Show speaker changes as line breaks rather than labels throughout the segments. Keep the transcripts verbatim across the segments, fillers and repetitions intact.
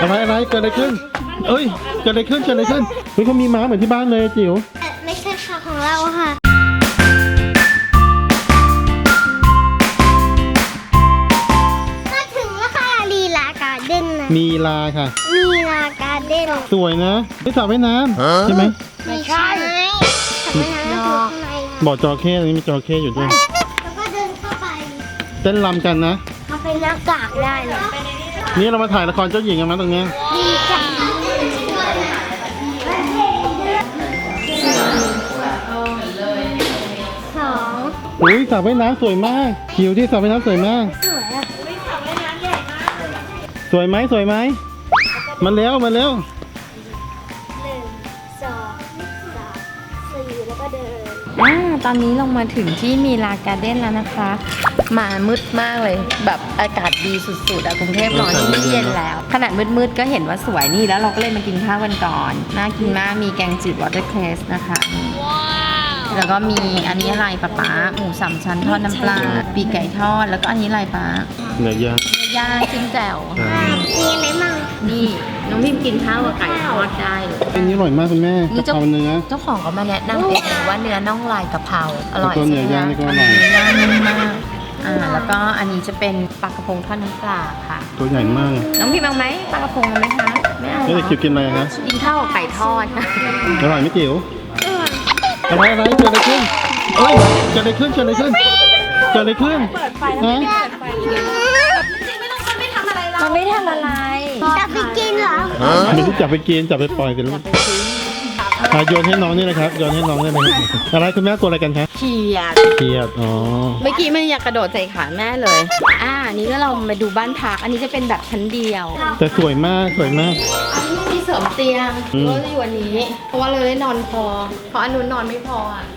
อะไรอะไรเกิดอะไรขึ้นเอ้ยเกิดอะไรขึ้นเกิดอะไรขึ้นเฮ้ยเขามีม้าเหมือนที่บ้านเลยจิ๋ว
ไม่ใช่ค่ะของเราค่ะมาถึงแล้วค่ะลีลาการ์เด้นนะ
มีลาค่ะ
มีลาการ์เด้น
สวยนะไม่สระว่ายน้ำใช่ไหม
ไม่ใช่สระว่ายน้ำอยู่ข้างใน
บ่อจระเข้ตรงนี้มีจระเข้อยู่ด้วย
แล้วก็เดินเข้าไป
เต้นรำกันนะ
เขาเป็นหน้ากากได้เลย
นี่เรามาถ่ายละครเจ้าหญิงกันมั้ยตรงนี้
ดีจังสอง
อุ้ยสระว่ายน้ำสวยมากคิวที่สระว่ายน้ำสวยมาก
สวยอ่ะสระว่ายน้ำใหญ่มาก
สวยไหมสวยไหมมาเร็วมาเร็ว
หนึ่งสองสามสี่แล้วก็เดิน
อ่าตอนนี้เรามาถึงที่มีลาการ์เด้นแล้วนะคะมามืดมากเลยแบบอากาศดีสุดๆอะกรุงเทพร้อนที่เย็นแล้วขนาดมืดๆก็เห็นว่าสวยนี่แล้วเราก็เลยมากินข้าวกันก่อนน่ากินมากมีแกงจืดวอเตอร์เครสนะคะแล้วก็มีอันนี้อะไรป๊าป๊าหมูสามชั้นทอดน้ำปลาปีกไก่ทอดแล้วก็อันนี้อะไรป๊า
เนื้อย่าง
ย่างจิ้มแจ่ว
มีอะไรมั่ง
นี่น้องพิมกินข้าวกับไก่ทอดได้เลย
อันนี้อร่อยมากคุณแม่กะเพราเนื้อ
เจ้าของเขามาแนะนำเองว่าเนื้อน่องลายกะเพราอร่อย
ตัวเนื้อย่างนี่ก็อร่อย
เนื้อย่างนุ่มมากอ่าแล้วก็อันนี้จะเป็นปลากระพงทอดน้ำปลาค่ะ
ตัวใหญ่มาก
น้องพิมเอาไหมปลากระพงไหมคะไม่เอา
ไม่ได้คิวกินอะไรคะ
กินข้าวกับไก่ทอดค่ะ
อร่อยไหมจิ๋วอะไรอะไรเกิดอะไรขึ้นเอ้ยเกิดอะไรขึ้นเกิดอะไรขึ้นเกิดอะไรขึ้น
เปิดไฟแล้วไม่เปิดไฟจริงไม่ต้องมันไม่ทำอะไรเรามันไม่ทำอะไร
จับไปกินเหรอ
ไม่ได้จับไปกินจับไปปล่อยไปแล้วโยนให้น้องนี่นะครับโยนให้น้องได้ไหมอะไรคุณแม่ตัวอะไรกันคะ
เขียด
เขียดอ๋อ
เมื่อกี้มันอยากกระโดดใส่ขาแม่เลยอ่านี้ก็เรามาดูบ้านพักอันนี้จะเป็นแบบชั้นเดียว
แต่สวยมากสวยมาก
อันนี้มีเสริมเตียงก็จะอยู่วันนี้เพราะว่าเราได้นอนพอเพราะอันนู้นนอนไม่พออ่ะ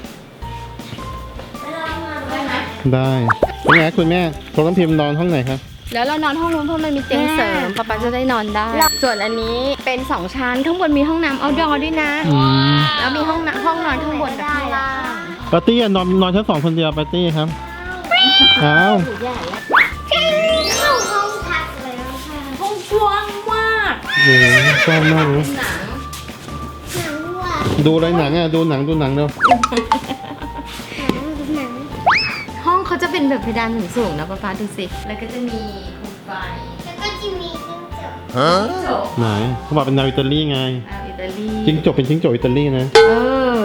ได้ไหม
ได้เป็นไงคุณแม่ตัวน้ำพิมพ์นอนห้องไหนครับ
แล้วเรานอนห้องนู้นเพราะมันมีเตียงเสริมป๊าป๊าจะได้นอนได้ส่วนอันนี้เป็นสองชั้นข้างบนมีห้องน้ำเอาท์ดอร์ด้วยนะแล้วมีห้องห้องนอนข้างบนกับข้างล่าง
ปาร์ตี้นอนนอนชั้นสองคนเดียวปาร์ตี้ครับอ้าว
เข้าห้องพักแล้วค่ะ
ห้องกว้างมาก
โอ้กว้างมากเลย
หนังว่ะ
ดูอะไรหนังอ่ะดูหนังดูหนังเร็ว
ห้องเขาจะเป็นแบบเพดานสูงๆนะป๊าป๊าดูสิแล้วก็จะมีโคมไฟ
แล้วก็จะมี
จิ้งจกไหนเขาบอกเป็นแนวอิตาลีไง
อิตาลี
จิ้งจกเป็นจิ้งจกอิตาลีนะ
เออ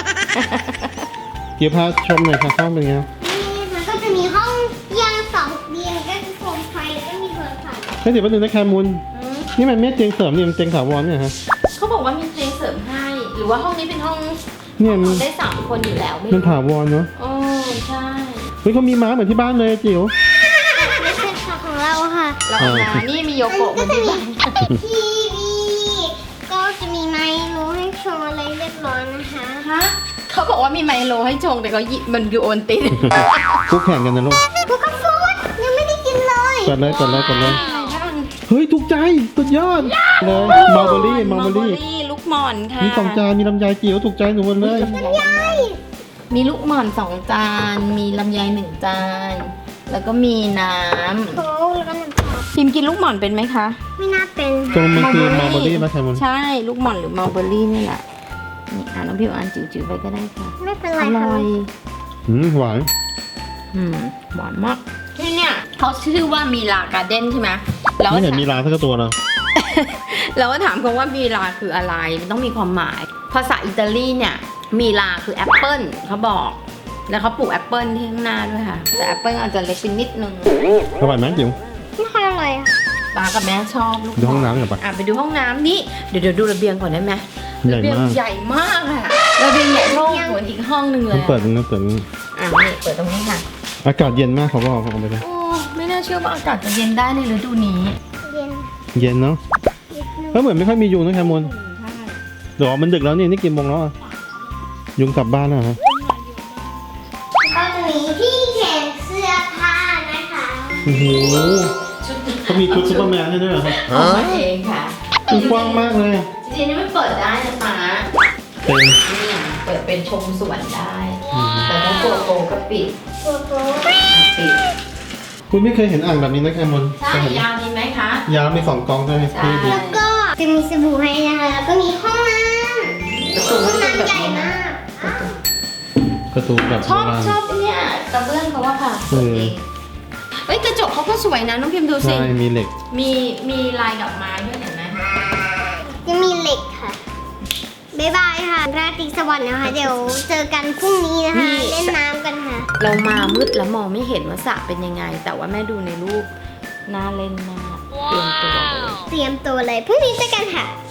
เดี๋ยวพาชมหน่อยค่ะห้องเป็นไง
นี่มันก็จะมีห้องเตียงสองเตียงก็คือโคมไฟแล้วก็มีโทรศัพท์
แค่เดี๋ยวแป๊บนึงนะแคมูลนี่มันไม่เตียงเสริมนี่มันเตียงถาวรเนี่ยฮะ
เขาบอกว่ามีเตียงเสริมให้หรือว่าห้องนี้เป็นห้อง
เนี่ยมัน
ได้สามคนอยู่แล้ว
มันถาวรเนาะ
โอ้ใช่
เฮ้ยเขามีม้าเหมือนที่บ้านเลยจิ๋ว
ไม่ใช่ค่ะของเราค่ะ
เรานะนี่มีโยโกะเหมือนที่บ้าน
ทีวีก็จะมีไมโลให้ชงอะไรเรียบร้อยนะคะ
ฮะเขาบอกว่ามีไมโลให้ชงแต่เขาหยิบมันอยู่โอนติน
คู่แข่งกันนะลูก
พวกกาแฟยังไม่ได้กินเลย
กดเลยกดเลยกดเลยเฮ้ยถูกใจสุดยอดเลยมาร์เบอรี่มาร์เบอรี่
ลูกหม่อนค่ะ
มีสองจานมีลำไยจิ๋วถูกใจหนูหมดเลย
มีลูกหม่อนสองจานมีลำไยหนึ่งจานแล้วก็มีน้ำ
โค้กแล้วก็น้ำตาล
พิมกินลูกหม่อนเป็นไหมคะ
ไม่น่าเป็น
ตรงมันคือมาร์เบอรี่มาใช่ไหม
ใช่ลูกหม่อนหรือมาร์เบอรี่นี่แหละนี่อ่าน้องพิมอ่านจิ๋วๆไปก็ได้ค่ะ
ไม่เป็นไร
อร่อย
อืมหวาน
อืมหวานมากที่เนี่ยเขาชื่อว่ามีลาการ์เด้นใช่ไหมแล้ว
ไม่เห็นมีลาสักตัวเลย
แล้วก็ถามเขาว่ามีลาคืออะไรมันต้องมีความหมายภาษาอิตาลีเนี่ยมีลาคือแอปเปิ้ลเขาบอกแล้วเขาปลูกแอปเปิ้ลที่ข้างหน้าด้วยค่ะแต่แอปเปิ้ลอาจจะเล็กไปนิดนึง
อร่อยไหมจิ๋ว
ไม่ค่อยอร่อย
ป้ากับแม่ชอบลูก
ดูห้องน้ำหน่อยปะ
อ่ะไปดูห้องน้ำนี่เดี๋ยวเดี๋ยวดูระเบียงก่อนได้ไหม
ระเบียง
ใหญ่มากค่ะระเบียงใหญ่เท่าเหมือนอีกห้องนึงเลย
เปิดตรงนี้เปิดตรงนี้
อ่ะนี่เปิดตรงนี้ค่ะ
อากาศเย็นมากเขาบอกเขาไปเลย
โอ้ไม่น่าเชื่อว่าอากาศจะเย็นได้ในฤดูนี้
เย็น
เย็นเนาะเพราะเหมือนไม่ค่อยมียุงนะแคมูลเดี๋ยวมันดึกแล้วนี่นี่กี่โมงแล้วยุงกลับบ้านแล้วฮะ
ก็จะมีที่แขวนเสื้อผ้านะคะ
โอ้โหเขามีชุดซุปเปอร์แมนให้ด้วยเหรอครับ
เอามาเองค่ะ
มันกว้างมากเลย
จริงๆนี่มันเปิดได้นะป้า
เป็น
นี่เปิดเป็นชมสวนได้แต่ถ้าตัวโตก็ปิด
ตัวโต
ปิด
คุณไม่เคยเห็นอ่างแบบนี้นะแคมอน
ใช่
เคยเห็น
ยาวดีไหมคะ
ยาวมีสองกองใช่ไหม
ใช่
พี่ดี
แล้วก็จะมีสบู่ให้นะคะแล้วก็มีห้องน้ำ
ประตู
ห้
ก็
อง
จะเป็น
น้ำ
แบบ
ใหญ่
นี้
มาก
ประตูแบบ
ช
โบ
อบ
ราณ
ชอบเนี่ยกระเบื้องเขาว่าค่ะ
เออ
เอ้ยกระจกเขาก็สวยนะน้องพิมพ์ดูสิ
ใช่มีเหล็ก
มีมีลายดอกไม้ด้วยเห็นไหม
จะมีเหล็กค่ะบ๊ายบายค่ะราตรีสวัสดิ์นะคะ เดี๋ยวเจอกันพรุ่งนี้นะคะ เล่นน้ำกันค่ะ
เรามามืดแล้วมองไม่เห็นว่าสระเป็นยังไง แต่ว่าแม่ดูในรูปน่าเล่นมากเตรียมตัวเลย
เตรียมตัวเลยพรุ่งนี้เจอกันค่ะ